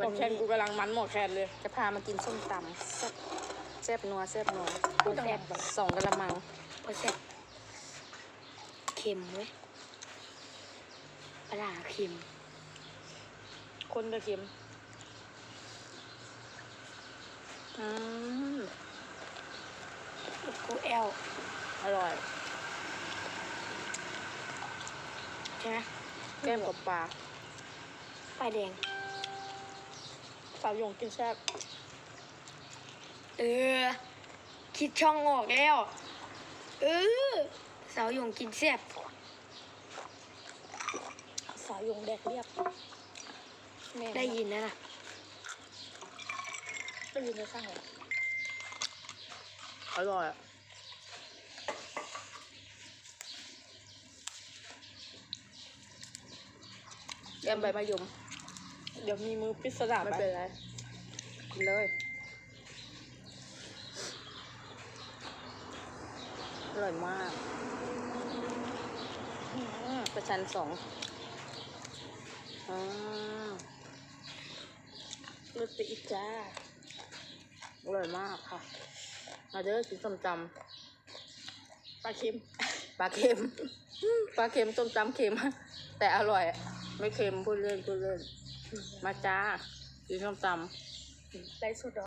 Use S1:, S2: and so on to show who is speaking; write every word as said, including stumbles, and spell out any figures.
S1: วันแคนกูกำลังมันหมดแคนเลย
S2: จะพามากินส้มตำแซ่บแซ่บนัวแซ่บนัว
S1: พูดแซ่บ
S2: สองกะละมังโอ้แซ่บเค็มเว้ยปลาเค็ม
S1: คนกระเค็ม
S2: อืมกูแอล
S1: อร่อย
S2: ใช่ไหม
S1: แก้มกับปลา
S2: ปลาแดง
S1: สาวหยงกินแซ่บ
S2: เออคิดช่องออกแล้วเออสาวหยงกินแซ่บ
S1: สาวหยงแดกเรียบ
S2: ได้ยินนะน่ะ
S1: ได้ยินในข้างเหรออร่อยอ่ะแกมใบมะยมเดี๋ยวมีมือพิศดารไม่เป็นไรกินเลยอร่อยมากประชันสองอ่าลูกติดจ้าอร่อยมากค่ะมาเด้อกินส้มตำปลาเค็มปลาเค็มปลาเค็มส้มตำเค็มแต่อร่อยไม่เค็มพูดเล่นพูดเล่นมาจ้ากินส้มตำ
S2: ได้สุด